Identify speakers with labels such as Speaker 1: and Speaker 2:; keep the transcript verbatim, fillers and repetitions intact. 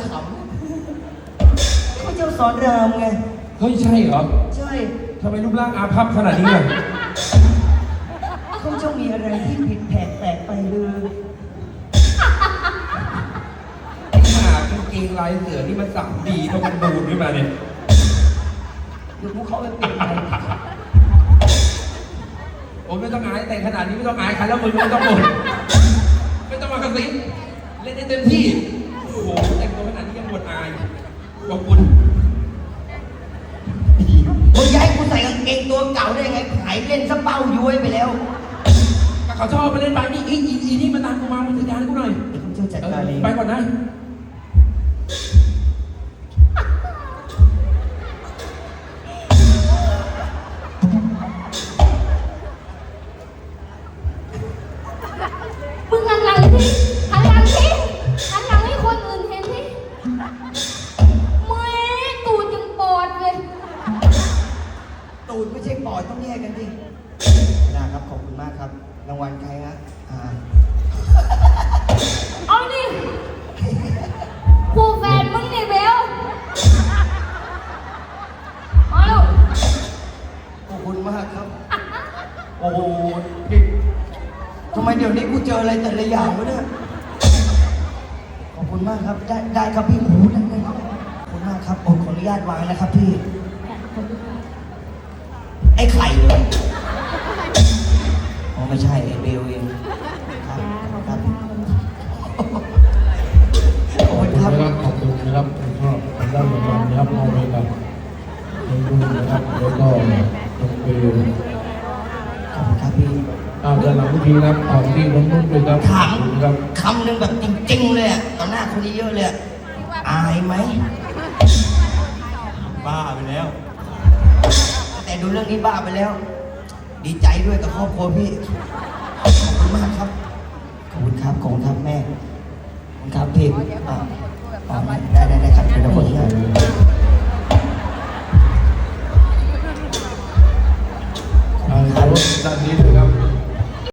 Speaker 1: ขำเขาเจ้าสอนรามไง
Speaker 2: เฮ้ยใช่เหรอ
Speaker 1: ใช่
Speaker 2: ทำไมรูปร่างอาภัพขนาดนี้ล่ะ
Speaker 1: เขาเจ้ามีอะไรที่ผิดแผกแปลกไปเลย
Speaker 2: ขนาดกางเกงลายเสือนี่มันสั่งดีเพราะมันดูดขึ้นมาเนี่ย
Speaker 1: เดี๋ยวพวกเขาไปเปลี่ยนไป
Speaker 2: โอ้ไม่ต้องอายแต่ขนาดนี้ไม่ต้องอายใครแล้วมึงไม่ต้องบ่นไม่ต้องมากระซิบเล่นได้เต็มที่โอ้โหแต่งตัวขนาดนี้ยังบ่นอายขอบคุณ
Speaker 1: มึงย้ายกูใส่กางเกงตัวเก่าได้ไงหายเล่นซะเป้าย้วยไปแล้ว
Speaker 2: เขาชอบไปเล่นไปนี่อีอีอีนี่มาตามกูมามึงจัดการกูหน่อย
Speaker 1: เจ้าจัดการเอง
Speaker 2: ไปก่อนนะ
Speaker 3: มึงหันหลังสิหันหลังสิหันหลังให้คนอื่นเห็นสิแม่ตูดยังปอดเลย
Speaker 1: ตูดไม่ใช่ปอดต้องแยกกันดินะครับขอบคุณมากครับรางวัลใครฮะอ่า
Speaker 3: เอาดิคู่แฟนมึงนี่เบลเอาลูก
Speaker 1: ขอบคุณมากครับโอ้โหทำไมเดี๋ยวนี้กูเจออะไรแต่ละอย่างวะเนี่ยขอบคุณมากครับได้ได้ครับพี่หมูได้ได้ครับขอบคุณมากครับโอ้ขออนุญาตวางนะครับพี่ไอ้ไข่เลยอ๋อไม่ใช่ไอ้เบลเองครับครับขอบคุณครับ
Speaker 4: ขอบคุณนะครับชอบได้รางวัลนะครับมอบให้กับน้องนุ่นนะครับแล้วก็น้องเบล
Speaker 1: ขอบคุณครับพี่
Speaker 4: อ่าเดี๋ยวหลังพิธีนะครับของที่น้องนุ่นด้วยครับ
Speaker 1: ถามคำหนึ่งแบบจริงๆเลยอ่ะต่อหน้าคนเยอะเลยอายไหมบ้าไปแล้วแต่ดูเรื่องนี้บ้าไปแล้วดีใจด้วยกับครอบครัวพี่ขอบคุณมากครับขอบคุณครับขอบคุณครับแม่ขอบคุณครับพี่อ่าได้ได้ได้ครับเดี๋ยวคนที่